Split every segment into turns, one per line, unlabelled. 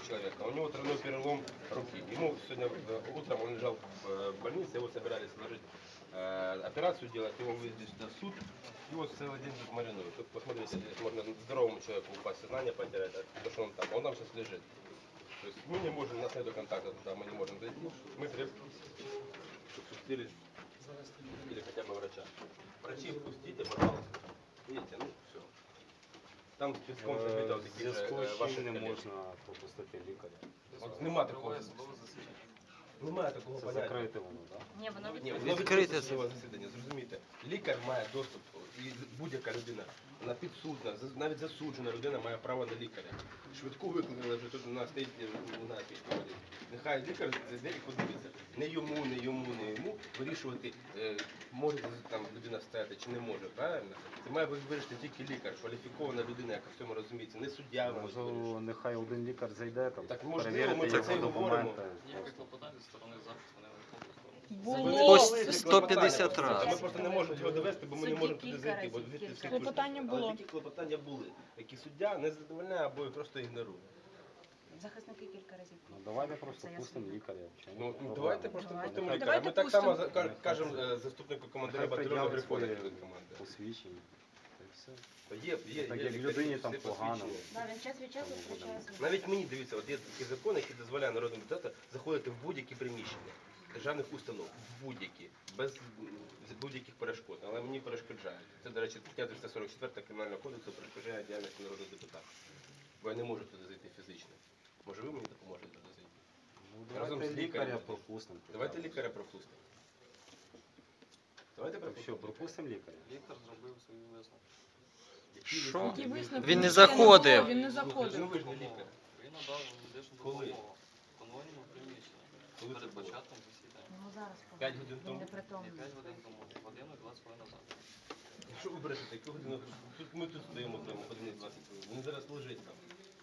человека, у него тройной перелом руки. Ему сегодня утром он лежал в больнице, его собирались сложить операцию делать, его вывезли сюда в суд, его целый день тут маринуют. Тут посмотрите, здесь можно здоровому человеку упасть, сознание потерять, потому что он там сейчас лежит. То есть мы не можем, у нас нет контакта туда, мы не можем зайти, мы требуем, чтобы пустили или хотя бы врача. Врачи впустите, пожалуйста. Видите, ну все. Там списком забито вот такі ваші
не
коліжки.
можна пропустити лікаря.
От нема такого. Немає такого
Це
поняття.
закрите воно, так?
Ні, воно
Ні,
відкрите.
воно відкрите судове засідання, зрозумійте. Лікар має доступ, і будь-яка людина, вона підсудна, навіть засуджена людина має право на лікаря. Швидку викликали, вже тут у нас стоїть, не знаю, скільки ходить. Нехай лікар зайде і подивиться. Не йому вирішувати, може там людина стояти чи не може, правильно? Це має вирішити тільки лікар, кваліфікована людина, яка в цьому розуміється, не суддя.
Можливо, нехай один лікар зайде, там,
Так, можливо, ми
перевірити
про це
його
й говоримо.
документи.
Ніяких клопотань зі сторони захисту не
Було.
По
150
разів. Ми
раз.
просто не можемо його довести, бо ми не
Судді
можемо туди
кілька
зайти.
разів,
Бо звідти
кілька
всі
разів.
Клопотання
пишуть. Але
було.
такі клопотання були, які суддя не задовольняє або просто ігнорує.
Захисники кілька разів.
Ну, давайте просто
Це я
пустимо
знаю.
лікаря. Чому
Ну,
проблема?
давайте просто
Давайте.
пустимо лікаря.
Давайте
Ми так само
пустимо.
кажемо заступнику командира
Нехай
батальйону
пред'явить
приходить
своє
до команди.
посвідчення. Та й все.
Є
Так як
лікарі,
людині там
всі
погано.
посвідчені.
Да, він час від часу втрачає свій.
Навіть мені, дивіться, от є такий закон, який дозволяє народному депутату заходити в будь-які приміщення державних установ, в будь-які, без будь-яких перешкод. Але мені перешкоджають. Це, до речі, стаття 344 Кримінального кодексу перешкоджає діяльності народного депутата. Бо я не можу туди зайти фізично. Може ви мені допоможете туди зайти?
Ну,
Разом
давайте
з лікарем.
лікаря пропустимо.
Давайте лікаря пропустимо. Давайте
Так що,
пропустимо.
пропустимо лікаря?
Лікар зробив свої висновки.
Що?
Які висновки?
Він не
Ніхто
заходив.
Він не
Ну
заходив.
ви ж не лікар.
Він надав медичну
Коли?
допомогу в конвойному приміщенні
Коли це
перед
було?
початком засідання.
Ну зараз
5 годин
він
тому?
не
Ні,
притомний.
5 годин тому, годину і 20 хвилин назад.
Що ви брешете? Яку годину? Ми тут стоїмо прямо години 20 хвилин. Він зараз лежить там.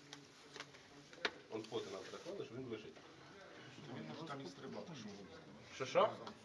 Он фото нам прислали, що він лежить.
Він може там і стрибати, що ви.
Що?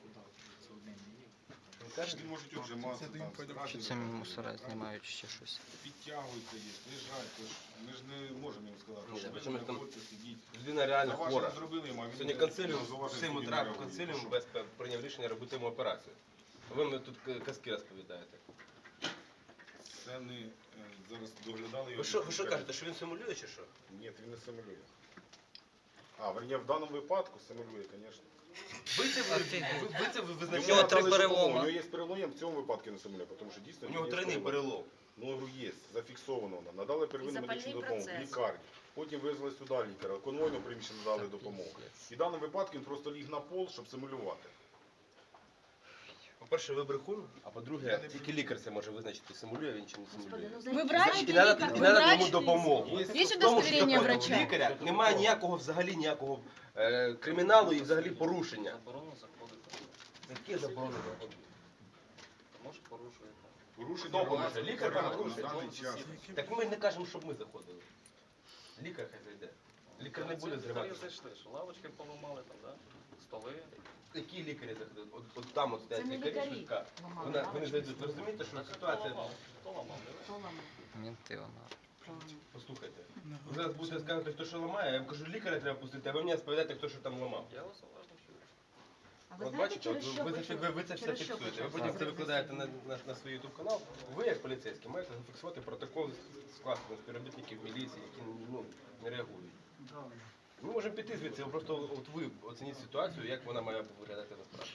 Ви кажете?
Він може отжиматися, там,
Чи це
страшно,
мусора знімають чи ще щось?
підтягується, є, лежать, тож ми ж не можемо їм сказати,
Ні,
що
причому
ви
там
знаходьте, сидіть.
Людина реально
Зауваження
хвора.
зробили йому, а він
Сьогодні
не-
консиліум,
не зауваження
в 7
собі
утра
не реагує.
консиліум
Що?
без прийняв рішення робити йому операцію. А ви мені тут казки розповідаєте.
Це не зараз доглядали його.
Ви що кажете, що він симулює чи що?
Ні, він не симулює. А, верні, в даному випадку симулює, звісно.
Ви це
нього
визначаєте?
три перелома.
У нього є перелом, в цьому випадку не симулює, тому що дійсно...
У нього
є
тройний перелом.
Ну, говорю, є, зафіксовано воно. Надали первинну
запальний
медичну допомогу,
процес.
лікарні. Потім визвали сюди лікаря, конвойно приміщення надали допомогу. І в даному випадку він просто ліг на пол, щоб симулювати.
По-перше, ви брехун, а по-друге, тільки лікар це може визначити, симулює він чи не симулює.
Ви врач?
І треба
Ви
йому
врач?
допомогу.
Є
В тому, що
удостоверення
закону
врача?
лікаря немає ніякого ніякого криміналу і взагалі порушення.
Заборонено заходити.
Яке заборонено?
Тому що порушуєте.
Порушення
Хто поможе?
громадського
Лікар
порядку
порушує?
на даний час.
Так ми не кажемо, щоб ми заходили. Лікар хай зайде. Лікар не буде
Лікарі
зривати.
зайшли, що лавочки поламали там, да? Столи.
Які лікарі заходять? От там от стоять
Це не
лікарі
лікарі
швидка.
ламали
Вони
лавочки.
зайдуть. Ви розумієте, що
Так
ситуація...
хто ламав? Не ви?
Хто ламав?
Мінти вона.
Послухайте, ви зараз будете сказати, хто що ламає, я вам кажу, лікаря треба пустити, а ви мені розповідаєте, хто що там ламав.
Я вас уважно чую.
А ви
От
знаєте,
бачите, от
через що
ви
почали?
це все
Через що
фіксуєте. Ви
почали?
потім це викладаєте на свій YouTube канал. Ви, як поліцейські, маєте зафіксувати протокол скласти на співробітників міліції, які не реагують. Ми можемо піти звідси, просто от ви оцініть ситуацію, як вона має виглядати насправді.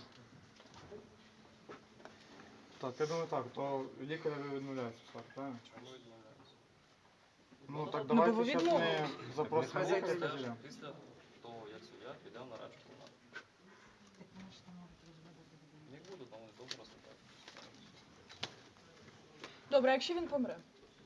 Так, я думаю так, то лікаря відмовляється, правильно?
Чому відмовляються?
Ну так
Ну, бо ви
давайте зараз
відмовили.
ми запросимо
Нехай
лікаря.
зайде.
тоді.
Після того, як суддя піде в нарадчу кімнату.
Так вони ж там можуть розводити людей.
Не буду, там вони довго розглядати.
Добре, а якщо він помре?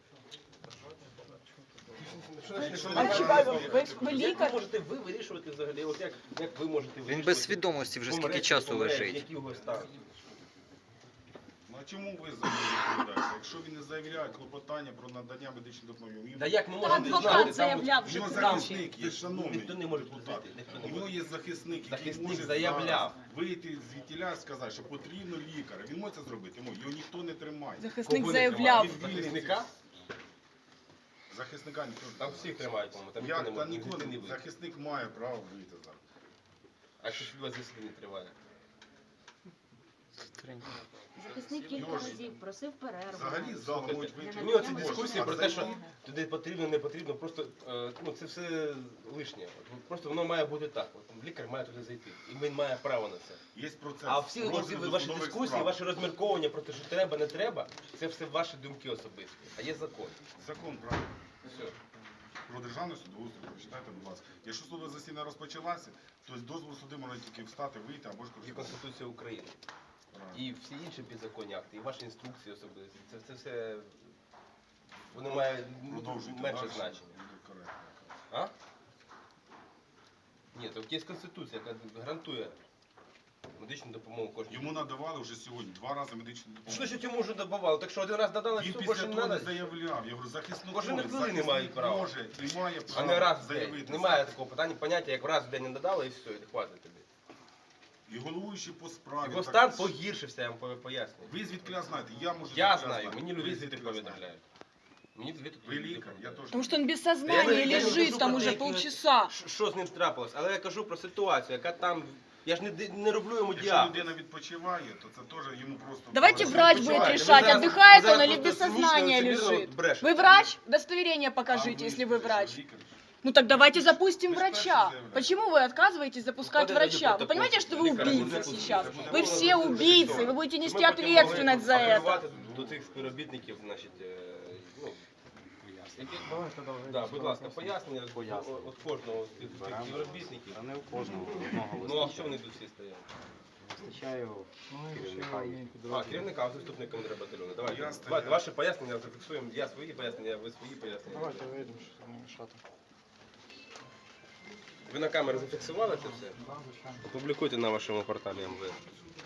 Що
А чекайте, ви
Як
лікар?
можете ви вирішувати взагалі? От як ви можете вирішувати?
Він без свідомості вже скільки часу лежить.
Які його стан?
Ну а чому ви за нього відповідаєте? Якщо він не заявляє клопотання про надання медичної допомоги,
Та як ми
Та
можемо
адвокат
знати? Там
заявляв
у
вже
нього
тричі.
захисник є, шановний
ніхто не може
депутат.
пустити, ніхто не
У нього
може.
є захисник, який
Захисник
може
заявляв.
зараз вийти звідтіля і сказати, що потрібно лікаря. Він може це зробити, його ніхто не тримає.
Захисник
Кого не
заявляв.
тримає? Захисника?
Захисника ніхто не
Там
тримає.
всіх тримають, по-моєму, там
Як?
ніхто
Та
не
ніколи
може
не
не вийти.
захисник має право вийти зараз.
А що ж вас засідання триває?
Захисник кілька
Його ж-
разів просив перерву.
Взагалі зал можуть вийти.
Ну, оці
Можна,
дискусії
а
про те, що
зайти?
туди потрібно, не потрібно, просто ну, це все лишнє. От, просто воно має бути так. От, лікар має туди зайти. І він має право на це.
Є процес.
А всі оці
розгляду
ваші
судових
дискусії,
справ.
ваші розмірковування про те, що треба, не треба, це все ваші думки особисті. А є закон.
Закон, правильно.
Все.
Про державний судоустрій, прочитайте, будь ласка. Якщо судове засідання розпочалося, то з дозволу суди можна тільки встати, вийти або ж
Є
користуватися.
Конституція України.
Правильно.
І всі інші підзаконні акти, і ваші інструкції особисті. Це все воно має
Продовжуйте
менше
далі.
значення.
Буде коректно.
А? Ні, то є Конституція, яка гарантує медичну допомогу кожній.
Йому надавали вже сьогодні 2 рази медичну
Що
допомогу.
значить йому вже добавали? Так що один раз додали,
Він
все,
після
більше не
того не
треба?
заявляв. Я говорю, захисник
Кожен хвилини
захисник
мають право.
може і має
А
право
не раз в день.
заявити.
Немає такого питання, поняття, як раз в день не додали і все, і хватить тобі.
І головуючий по справі.
Його
так-
стан погіршився, я вам пояснюю.
Ви звідкиля знаєте, я можу
Я
звідкиля
знаю,
знати.
мені
Ви
люди звідти
звідкиля знаєте.
повідомляють. Мені звідти
Ви лікар, я теж.
Потому что он без
Я
сознания
не кажу
лежит там
про
уже
те,
полчаса.
Що з ним трапилось, але я кажу про ситуацію, яка там. Я ж не роблю йому
Якщо
діагноз.
людина відпочиває, то це теж йому просто...
Давайте
Просто
врач
відпочиває.
будет решать,
зараз-
отдыхает
ви зараз
он или
просто
без сознания
цинічно, лицемірно
лежит.
брешете.
Вы врач? Удостоверение
А
покажите, если вы
що,
врач.
лікар?
Ну так давайте запустим
Вы ж
врача.
перший заявляете.
Почему вы отказываетесь запускать
Входит
врача?
протокол.
Вы понимаете, что вы
Лікар не
убийца
запустить.
сейчас?
Це
Вы
буде
все убийцы, вы будете нести
Ми потім
ответственность за
могли
это.
апелювати до цих співробітників, значить, ну, які...
Давайте далі.
Да, будь ласка, пояснення від
Пояснення.
кожного з цих
Беремо.
співробітників.
Та не у кожного одного
Ну, а
вистачає.
що вони тут всі стоять?
Вистачає
Ну, і
керівника
ще
і
мій
А,
підрозділ.
керівника, а заступник командира батальйону. Давайте,
Я стояв.
давайте ваші пояснення зафіксуємо. Я свої пояснення, ви свої пояснення.
Давайте вийдемо, щоб не мішати.
Ви на камеру зафіксували це все?
Да, звичайно.
Опублікуйте на вашому порталі МВС.